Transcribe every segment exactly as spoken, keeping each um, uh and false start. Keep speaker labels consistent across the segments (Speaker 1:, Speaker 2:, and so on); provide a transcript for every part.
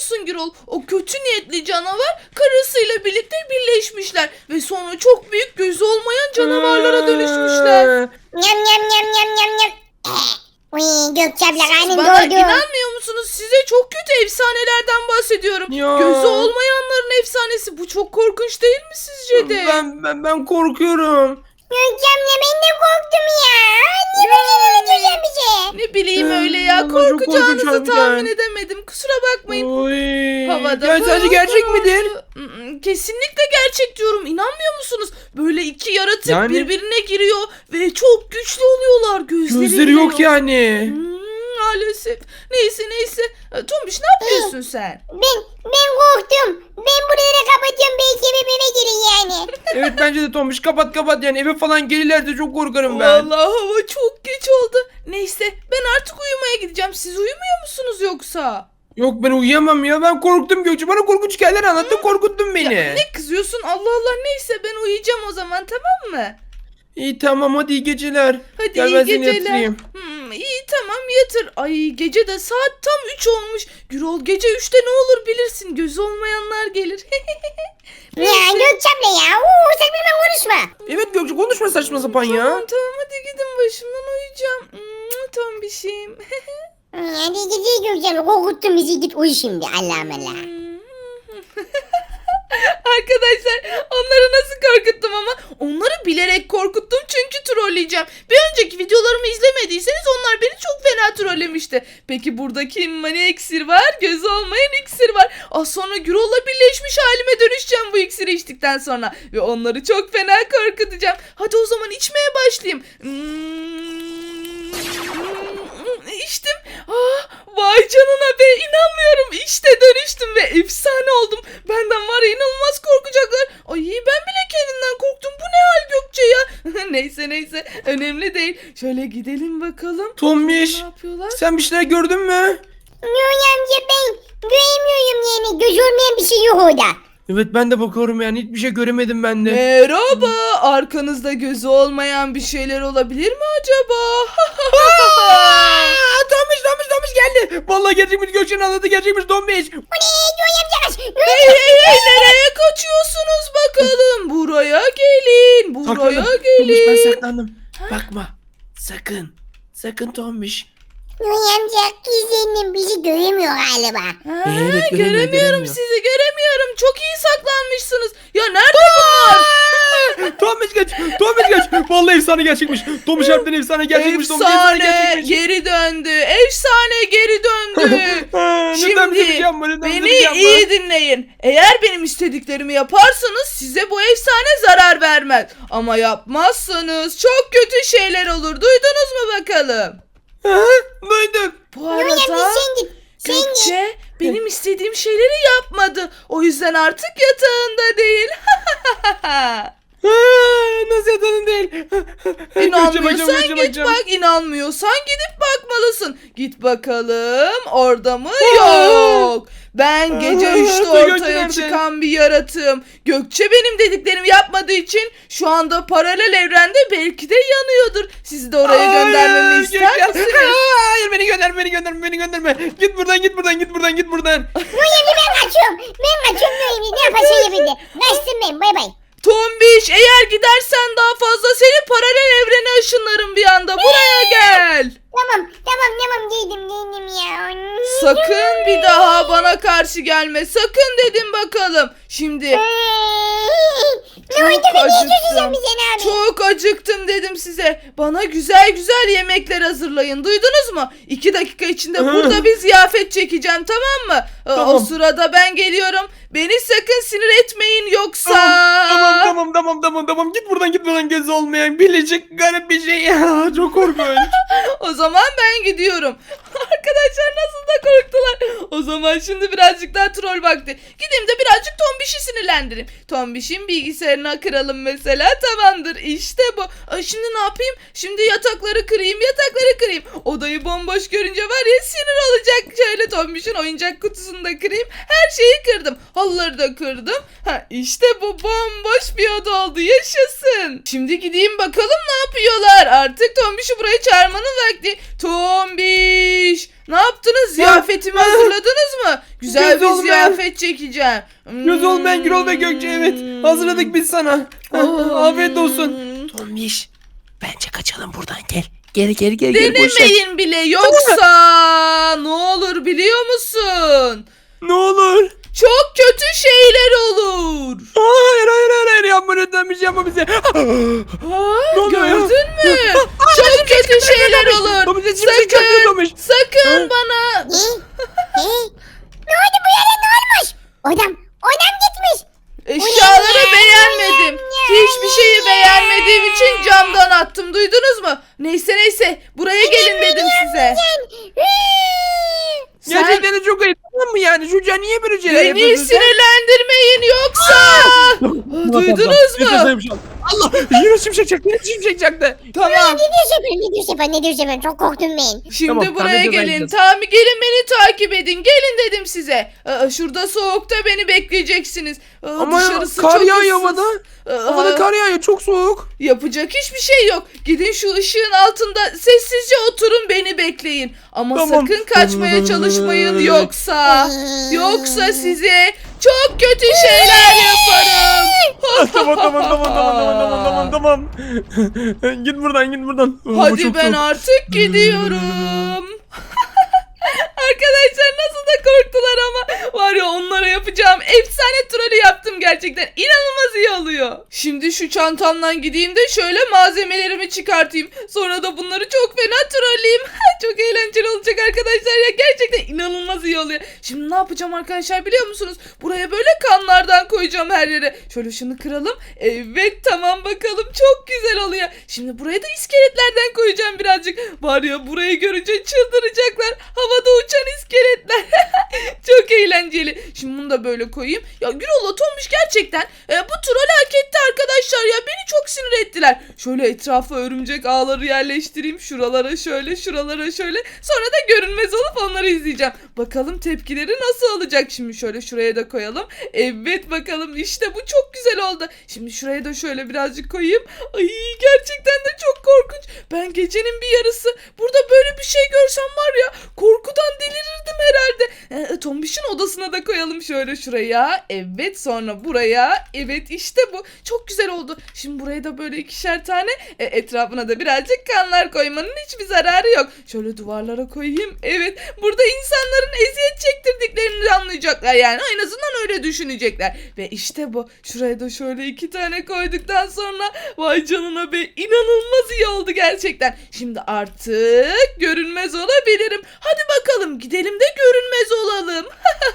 Speaker 1: musun Gürol? O kötü niyetli canavar karısıyla birlikte birleşmişler ve sonra çok büyük gözü olmayan canavarlara dönüşmüşler.
Speaker 2: Nyam nyam nyam nyam nyam nyam. Uy Gökçe abla karnım
Speaker 1: Bana
Speaker 2: doydu.
Speaker 1: inanmıyor musunuz? Size çok kötü efsanelerden bahsediyorum.
Speaker 3: Ya.
Speaker 1: Gözü olmayanların efsanesi. Bu çok korkunç değil mi sizce de?
Speaker 3: Ben, ben, ben korkuyorum.
Speaker 2: Gökçe abla ben de korktum ya. Niye böyle öldüreceğim bizi?
Speaker 1: Ne bileyim
Speaker 3: Ee,
Speaker 1: öyle ya.
Speaker 3: vallahi çok korkunç
Speaker 1: Korkacağınızı
Speaker 3: harbiden.
Speaker 1: tahmin edemedim. Kusura bakmayın.
Speaker 3: Oy.
Speaker 1: Havada
Speaker 3: Ya sence
Speaker 1: pırıl
Speaker 3: gerçek
Speaker 1: pırıl.
Speaker 3: midir?
Speaker 1: Mm, Kesinlikle gerçek diyorum. İnanmıyor musunuz? Böyle iki yaratık
Speaker 3: Yani-
Speaker 1: birbirine giriyor ve çok güçlü oluyorlar. Gözleri,
Speaker 3: Gözleri
Speaker 1: bile
Speaker 3: yok yani.
Speaker 1: Hmm, maalesef. Neyse neyse. E, Tombiş ne yapıyorsun sen?
Speaker 2: Ben ben korktum. Ben buraları kapatıyorum. Belki eve eve girin yani.
Speaker 3: Evet bence de Tombiş kapat kapat yani eve falan gelirlerse çok korkarım ben.
Speaker 1: Vallahi hava çok geç oldu. Neyse ben artık uyumaya gideceğim. Siz uyumuyor musunuz yoksa?
Speaker 3: Yok ben uyuyamam ya ben korktum Gökçe bana korkunç hikayeler anlattın korkuttun beni.
Speaker 1: Ya, ne kızıyorsun? Allah Allah neyse ben uyuyacağım o zaman, tamam mı?
Speaker 3: İyi tamam hadi iyi geceler.
Speaker 1: Hadi
Speaker 3: Gel
Speaker 1: iyi
Speaker 3: ben seni
Speaker 1: geceler.
Speaker 3: yatırayım.
Speaker 1: Hmm, iyi tamam yatır. Ay gece de saat tam üç olmuş. Gürol gece üçte ne olur bilirsin. Gözü olmayanlar gelir.
Speaker 2: Ya Gökçe abla ya. Oo, sen benimle konuşma.
Speaker 3: Evet Gökçe konuşma saçma sapan ya.
Speaker 1: Tamam tamam hadi gidin başımdan, uyuyacağım. Hmm, tam bir şeyim.
Speaker 2: Hadi gideceğiz Gökçe abla. Korkuttun bizi, git uyu şimdi. Allah'ım Allah.
Speaker 1: Arkadaşlar onları nasıl korkuttum ama onları bilerek korkuttum çünkü trolleyeceğim. Bir önceki videolarımı izlemediyseniz onlar beni çok fena trollemişti. Peki burada kim ne iksir var? Gözü olmayan iksir var. Az sonra Gürol'la birleşmiş halime dönüşeceğim bu iksiri içtikten sonra. Ve onları çok fena korkutacağım. Hadi o zaman içmeye başlayayım. Hmm, içtim. Ah, vay canına be, inanmıyorum. İşte dönüştüm ve efsane oldum. Benden var ya inanılmaz korkacaklar. Ay ben bile kendimden korktum. Bu ne hal Gökçe ya? Neyse neyse önemli değil. Şöyle gidelim bakalım.
Speaker 3: Tombiş
Speaker 1: Ne yapıyorlar?
Speaker 3: sen bir şeyler gördün mü?
Speaker 2: Yoy amca ben göremiyorum yani. Göz olmayan bir şey yok orada.
Speaker 3: Evet ben de bakıyorum yani hiçbir şey göremedim ben de.
Speaker 1: Merhaba. Arkanızda gözü olmayan bir şeyler olabilir mi acaba?
Speaker 3: Aa, Tombiş Tombiş Tombiş geldi. Vallahi gerçekmiş Gökçe'nin anladı gerçekmiş Tombiş.
Speaker 2: Bu ne? Yoy amca kaç. Yoy
Speaker 1: Hey hey hey, nereye kaçıyorsunuz bakalım? Buraya gelin. Buraya
Speaker 3: Saklandım. Tombiş
Speaker 1: gelin.
Speaker 3: ben saklandım. Bakma. Sakın. Sakın Tombiş.
Speaker 2: Yoy amca kızının bizi göremiyor galiba.
Speaker 1: Ha,
Speaker 3: Evet, göremiyor,
Speaker 1: göremiyorum
Speaker 3: göremiyor.
Speaker 1: sizi, göremiyorum. Çok iyi saklanmışsınız. Ya nerede bunlar?
Speaker 3: Tombiş geç. Tombiş geç. Vallahi efsane gerçekmiş. Tombiş harbiden efsane gerçekmiş. Tombiş efsane
Speaker 1: Efsane
Speaker 3: gerçekmiş.
Speaker 1: geri döndü. Efsane geri döndü.
Speaker 3: Ha, lütfen bize bir şey
Speaker 1: Şimdi
Speaker 3: yapma, lütfen bize bir
Speaker 1: beni
Speaker 3: şey yapma.
Speaker 1: iyi dinleyin. Eğer benim istediklerimi yaparsanız size bu efsane zarar vermez. Ama yapmazsanız çok kötü şeyler olur. Duydunuz mu bakalım?
Speaker 3: Ha, duyduk.
Speaker 1: Bu
Speaker 2: Yoy amca
Speaker 1: arada
Speaker 2: sen git. Sen git.
Speaker 1: Gökçe benim istediğim şeyleri yapmadı. O yüzden artık yatağında değil.
Speaker 3: Ha, nasıl yatanın değil.
Speaker 1: İnanmıyorsan git bak, inanmıyorsan gidip bakmalısın. Git bakalım orada mı? Yok. Ben gece
Speaker 3: Aa,
Speaker 1: üçte
Speaker 3: Gökçe
Speaker 1: ortaya
Speaker 3: nerede?
Speaker 1: çıkan bir yaratığım. Gökçe benim dediklerimi yapmadığı için şu anda paralel evrende belki de yanıyordur. Sizi de oraya göndermemi ister misiniz?
Speaker 3: Hayır beni gönderme beni gönderme beni gönderme. Git buradan git buradan git buradan git buradan.
Speaker 2: Yoy amca ben kaçıyorum. Ben kaçıyorum Yoy amca. Ne yaparsan yapın. Kaçtım ben. Bay bay.
Speaker 1: Tombiş, eğer gidersen daha fazla seni paralel evrene ışınlarım bir anda. Buraya gel.
Speaker 2: Tamam tamam tamam geldim geldim ya.
Speaker 1: Sakın bir daha bana karşı gelme. Sakın dedim bakalım. Şimdi
Speaker 2: Ne oldu
Speaker 1: çok
Speaker 2: be? Niye
Speaker 1: acıktım.
Speaker 2: çözeceğim bizi abi?
Speaker 1: Çok acıktım dedim size. Bana güzel güzel yemekler hazırlayın. Duydunuz mu? İki dakika içinde
Speaker 3: Hı.
Speaker 1: burada bir ziyafet çekeceğim, tamam mı? Ee, O
Speaker 3: Tamam.
Speaker 1: sırada ben geliyorum. Beni sakın sinir etmeyin yoksa.
Speaker 3: Tamam tamam tamam tamam tamam git buradan git buradan gözü olmayan birleşik garip bir şey ya çok korkunç.
Speaker 1: O zaman ben gidiyorum. Arkadaşlar nasıl da korktular. O zaman şimdi birazcık daha troll vakti. Gideyim de birazcık Tombiş'i sinirlendireyim. Tombiş'in bilgisayarına kıralım mesela. Tamamdır, işte bu. Ay, şimdi ne yapayım? Şimdi yatakları kırayım, yatakları kırayım. Odayı bomboş görünce var ya sinir olacak. Şöyle Tombiş'in oyuncak kutusunu da kırayım. Her şeyi kırdım. Halıları da kırdım. Ha, işte bu bomboş bir oda oldu. Yaşasın. Şimdi gideyim bakalım ne yapıyorlar. Artık Tombiş'i buraya çağırmanın vakti. Tombiş. Ne yaptınız? Ziyafetimi hazırladınız mı? Güzel
Speaker 3: Göz
Speaker 1: bir
Speaker 3: olmayan-
Speaker 1: ziyafet çekeceğim.
Speaker 3: Göz olmayan Gürol ve Gökçe, evet. Hazırladık biz sana.
Speaker 1: Hmm.
Speaker 3: Afiyet olsun. Tombiş, bence kaçalım buradan, gel. Gel gel gel gel. boş ver.
Speaker 1: Denemeyin bile yoksa ne olur biliyor musun?
Speaker 3: Ne olur.
Speaker 1: Çok kötü şeyler olur.
Speaker 3: Hayır hayır hayır, hayır. yapma lütfen, bir şey yapma bize.
Speaker 1: Ha,
Speaker 3: Ne oluyor ya?
Speaker 1: gördün mü? Çok kötü şeyler olur.
Speaker 3: Tombiş, şimşek çaktı
Speaker 1: Sakın,
Speaker 3: Tombiş.
Speaker 1: sakın
Speaker 3: Ha?
Speaker 1: bana.
Speaker 2: Ne? Hey, ne oldu bu yere, ne olmuş? Odam, odam gitmiş.
Speaker 1: Eşyaları beğenmedim. Hiçbir şeyi beğenmediğim için camdan attım. Duydunuz mu? Neyse neyse. Buraya gelin dedim size. Sen
Speaker 3: Gerçekten de çok ayıp, tamam mı yani? Çocuğa niye böyle şeyler
Speaker 1: beni
Speaker 3: yapıyorsun sen?
Speaker 1: sinirlendirmeyin yoksa. Aa, Duydunuz mu?
Speaker 3: Allah, yine şimşek çaktı, yine şimşek çaktı.
Speaker 1: Tamam.
Speaker 2: Ne diyorsun efendim, ne diyorsun efendim, ne diyorsun efendim, çok korktum ben.
Speaker 1: Şimdi
Speaker 3: Tamam, tamam,
Speaker 1: buraya
Speaker 3: hadi
Speaker 1: gelin.
Speaker 3: gideceğiz.
Speaker 1: Tamam gelin beni takip edin. Gelin dedim size. Aa, şurada soğukta beni bekleyeceksiniz. Aa,
Speaker 3: Ama
Speaker 1: dışarısı
Speaker 3: kar
Speaker 1: çok
Speaker 3: yağıyor
Speaker 1: ıssız.
Speaker 3: havada.
Speaker 1: Aa,
Speaker 3: Havada kar yağıyor, çok soğuk.
Speaker 1: Yapacak hiçbir şey yok. Gidin şu ışığın altında sessizce oturun beni bekleyin. Ama
Speaker 3: Tamam.
Speaker 1: sakın kaçmaya çalışmayın yoksa yoksa size çok kötü şeyler yaparım.
Speaker 3: tamam tamam tamam tamam tamam tamam tamam tamam. Git buradan, git buradan. Oh, bu
Speaker 1: Hadi
Speaker 3: çok
Speaker 1: ben
Speaker 3: soğuk.
Speaker 1: artık gidiyorum. Arkadaşlar nasıl da korktular ama var ya onlara yapacağım efsane trolü yaptım gerçekten. İnanılmaz iyi oluyor. Şimdi şu çantamdan gideyim de şöyle malzemelerimi çıkartayım. Sonra da bunları çok fena trolleyeyim. Çok eğlenceli olacak arkadaşlar ya. Gerçekten inanılmaz iyi oluyor. Şimdi ne yapacağım arkadaşlar biliyor musunuz? Buraya böyle kanlardan koyacağım her yere. Şöyle şunu kıralım. Evet tamam bakalım çok güzel oluyor. Şimdi buraya da iskeletlerden koyacağım birazcık. Var ya burayı görünce çıldıracaklar. Havada uçan iskeletler. Çok eğlenceli. Şimdi bunu da böyle koyayım. Ya Gürol'la Tombiş gerçekten e, bu troll hak etti arkadaşlar ya. Beni çok sinir ettiler. Şöyle etrafa örümcek ağları yerleştireyim. Şuralara şöyle, şuralara şöyle. Sonra da görünmez olup onları izleyeceğim. Bakalım tepkileri nasıl olacak. Şimdi şöyle şuraya da koyalım. Evet bakalım işte bu çok güzel oldu. Şimdi şuraya da şöyle birazcık koyayım. Ay gerçekten de çok korkunç. Ben gecenin bir yarısı burada böyle bir şey görsem var ya korkudan delirirdim herhalde. E, Tombiş'in odasına da koyalım şöyle şuraya. Evet sonra buraya. Evet işte bu. Çok güzel oldu. Şimdi buraya da böyle ikişer tane e, etrafına da birazcık kanlar koymanın hiçbir zararı yok. Şöyle duvarlara koyayım. Evet burada insanların eziyet çektirdiklerini anlayacaklar yani. En azından öyle düşünecekler. Ve işte bu. Şuraya da şöyle iki tane koyduktan sonra vay canına be inanılmaz iyi oldu gerçekten. Şimdi artık görünmez olabilirim. Hadi bakalım gidelim de görünmez olalım.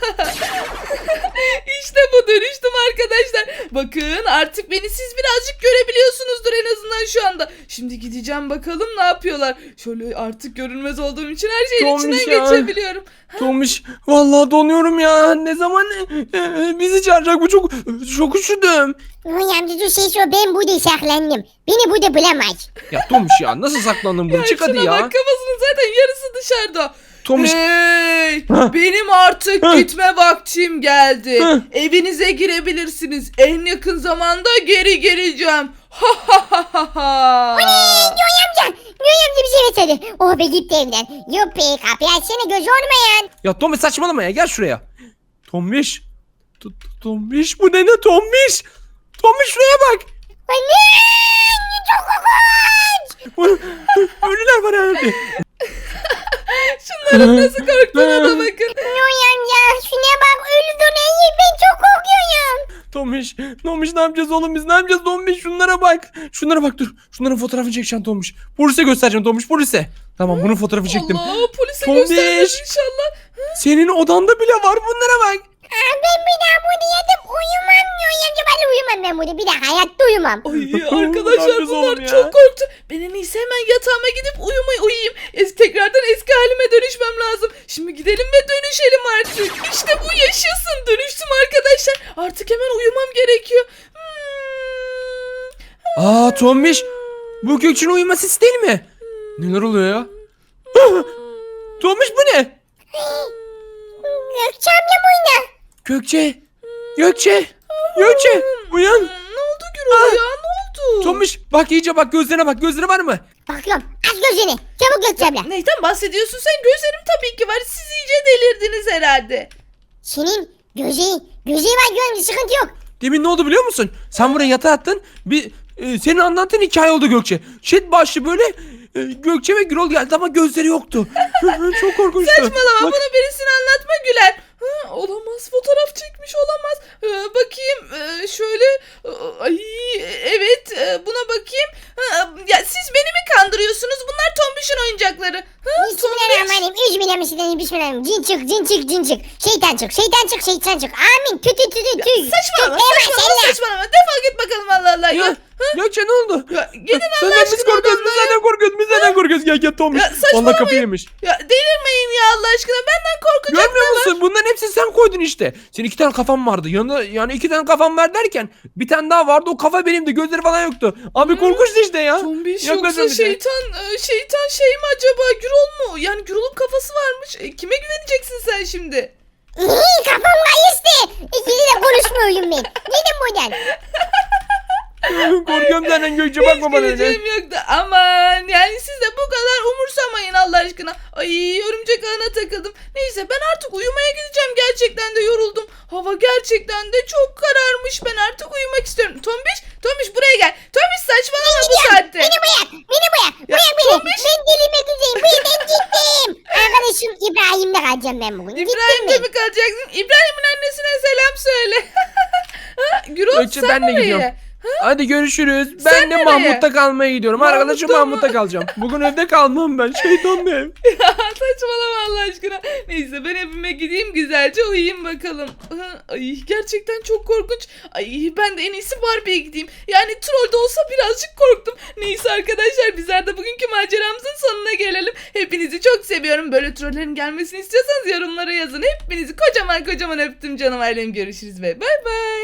Speaker 1: İşte bu dönüştüm arkadaşlar. Bakın artık beni siz birazcık görebiliyorsunuzdur en azından şu anda. Şimdi gideceğim bakalım ne yapıyorlar. Şöyle artık görünmez olduğum için her şeyin
Speaker 3: Tombiş
Speaker 1: içinden
Speaker 3: ya.
Speaker 1: geçebiliyorum.
Speaker 3: Tombiş, vallahi donuyorum ya. Ne zaman e, e, bizi çağıracak, bu çok çok üşüdüm.
Speaker 2: Uy amca dur şey şu, ben burada saklandım. Beni burada bulamaz.
Speaker 3: Ya Tombiş ya, nasıl saklandın bunu?
Speaker 1: Ya
Speaker 3: Çık hadi
Speaker 1: şuna
Speaker 3: ya.
Speaker 1: bak kafasının zaten yarısı dışarıda.
Speaker 3: Tombiş.
Speaker 1: Hey,
Speaker 3: Ha.
Speaker 1: benim artık
Speaker 3: Ha.
Speaker 1: gitme vaktim geldi.
Speaker 3: Ha.
Speaker 1: Evinize girebilirsiniz. En yakın zamanda geri geleceğim. Ha ha ha ha ha.
Speaker 2: Yoy amca, Yoy amca bir şey versene. Oh be gitti evden. Yuppi kapıyı açsana, göz olmayan.
Speaker 3: Ya Tombiş saçmalama ya, gel şuraya. Tombiş. T- t- Tombiş, bu ne ne Tombiş? Tombiş şuraya bak.
Speaker 2: Anne, çok korkunç.
Speaker 3: Ölüler var herhalde.
Speaker 1: Şunların nasıl korktuğuna da bakın.
Speaker 2: Yoy amca şuna bak, ölü döneyim, ben çok korkuyorum.
Speaker 3: Tombiş, Tombiş ne yapacağız oğlum biz, ne yapacağız Tombiş, şunlara bak. Şunlara bak, dur. Şunların fotoğrafını çekeceğim Tombiş. Polise göstereceğim Tombiş, polise. Tamam, bunun fotoğrafı çektim.
Speaker 1: Allah polise
Speaker 3: Tombiş.
Speaker 1: göstermez inşallah.
Speaker 3: Senin odanda bile var, bunlara bak.
Speaker 2: Aa, ben bir daha burada yatıp uyumam Yoy amca, ben uyumam ben burada, bir daha hayatta uyumam.
Speaker 1: Ay
Speaker 3: Ne
Speaker 1: arkadaşlar
Speaker 3: yapacağız
Speaker 1: bunlar
Speaker 3: oğlum ya?
Speaker 1: çok korktu. Ben en iyisi hemen yatağıma gidip uyumayı uyuyayım. Es tekrardan eski halime dönüşmem lazım. Şimdi gidelim ve dönüşelim artık. İşte bu yaşasın. Dönüştüm arkadaşlar. Artık hemen uyumam gerekiyor. Hmm.
Speaker 3: Aa Tombiş, bu Gökçe'nin uyuma sesi değil mi? Neler oluyor ya? Tombiş bu ne?
Speaker 2: Gökçe amca buydu.
Speaker 3: Gökçe. Gökçe. Gökçe. Uyan.
Speaker 1: Hmm, Ne oldu Gürol ya? Ne oldu?
Speaker 3: Tombiş bak, iyice bak, gözlerine bak, gözleri var mı?
Speaker 2: Bakıyorum, az gözünü. Çabuk Gökçe abla.
Speaker 1: Neyden bahsediyorsun sen? Gözlerim tabii ki var. Siz iyice delirdiniz herhalde.
Speaker 2: Senin gözü, gözü var görmüş sıkıntı yok.
Speaker 3: Demin ne oldu biliyor musun? Sen buraya yatağa attın. Bir e, senin anlattığın hikaye oldu Gökçe. Chat başlı böyle e, Gökçe ve Gürol geldi ama gözleri yoktu. Çok korkunçtu.
Speaker 1: Saçmalama,
Speaker 3: Bak,
Speaker 1: bunu birisine anlatma Güler. Ha, olamaz, fotoğraf çekmiş olamaz. Ee, bakayım ee, şöyle. Ee, Ay evet, ee, buna bakayım. Ha, ya siz beni mi kandırıyorsunuz? Bunlar Tombiş'in oyuncakları. Ha, Tombiş.
Speaker 2: Bismillahirrahmanirrahim. Bismillahirrahmanirrahim. Bismillahirrahmanirrahim. Cin çık, cin çık, cin çık. Şeytan çık, şeytan çık, şeytan çık. Amin. Tü tü tü tü tü.
Speaker 1: Saçmalama,
Speaker 2: Tü, eyvah,
Speaker 1: saçmalama,
Speaker 2: seller.
Speaker 1: saçmalama. Defol git bakalım, Allah Allah ya.
Speaker 3: Ya, Gökçe ne oldu?
Speaker 1: Ya, gidin Allah
Speaker 3: Senden biz
Speaker 1: aşkına
Speaker 3: korkuyoruz. Biz
Speaker 1: odamdan ya.
Speaker 3: senden korkuyoruz. Biz senden korkuyoruz. Gel gel Tomuş.
Speaker 1: Ya, saçmalamayın.
Speaker 3: Vallahi kafayı yemiş.
Speaker 1: Ya delirmeyin ya Allah aşkına. Benden korkacak
Speaker 3: Görmüyor
Speaker 1: ne var?
Speaker 3: musun? Bunların hepsini sen koydun işte. Senin iki tane kafan vardı. Yanında yani iki tane kafam var derken bir tane daha vardı. O kafa benimdi. Gözleri falan yoktu. Abi korkunçtu işte ya.
Speaker 1: Tombiş
Speaker 3: Yaklaşın
Speaker 1: yoksa
Speaker 3: bize.
Speaker 1: şeytan e, şeytan şey mi acaba, Gürol mu? Yani Gürol'un kafası varmış. E, kime güveneceksin sen şimdi?
Speaker 2: İyi, kafam kayıştı. İkili de konuşmuyorum ben. Gidin buradan.
Speaker 3: Korkuyorum senden Gökçe, bakma bana öyle.
Speaker 1: Geleceğim yoktu. Aman yani siz de bu kadar umursamayın Allah aşkına. Ay, örümcek ağına takıldım. Neyse, ben artık uyumaya gideceğim. Gerçekten de yoruldum. Hava gerçekten de çok kararmış. Ben artık uyumak istiyorum. Tombiş, Tombiş buraya gel. Tombiş saçmalama bu saatte.
Speaker 2: Beni bırak. Beni bırak.
Speaker 1: Ya,
Speaker 2: Bırak beni.
Speaker 1: Tombiş.
Speaker 2: Ben delirmek üzereyim. Ben, ben gittim. Arkadaşım İbrahim'le kalacağım ben bugün.
Speaker 1: İbrahim'de
Speaker 2: Gittim
Speaker 1: mi kalacaksın? İbrahim'in annesine selam söyle. Ha, Gürol
Speaker 3: Gökçe,
Speaker 1: sen
Speaker 3: ben de
Speaker 1: nereye?
Speaker 3: gidiyorum. Hadi görüşürüz.
Speaker 1: Sen
Speaker 3: Ben de
Speaker 1: nereye?
Speaker 3: Mahmut'ta kalmaya gidiyorum.
Speaker 1: Mahmut'ta
Speaker 3: Arkadaşım
Speaker 1: mı?
Speaker 3: Mahmut'ta kalacağım. Bugün evde kalmam ben. Şeytan bir ev.
Speaker 1: Saçmalama Allah aşkına. Neyse, ben evime gideyim, güzelce uyuyayım bakalım. Ha, ay gerçekten çok korkunç. Ay ben de en iyisi Barbie'ye gideyim. Yani troll de olsa birazcık korktum. Neyse arkadaşlar, bizler de bugünkü maceramızın sonuna gelelim. Hepinizi çok seviyorum. Böyle trollerin gelmesini istiyorsanız yorumlara yazın. Hepinizi kocaman kocaman öptüm canım ailem. Görüşürüz ve bay bay.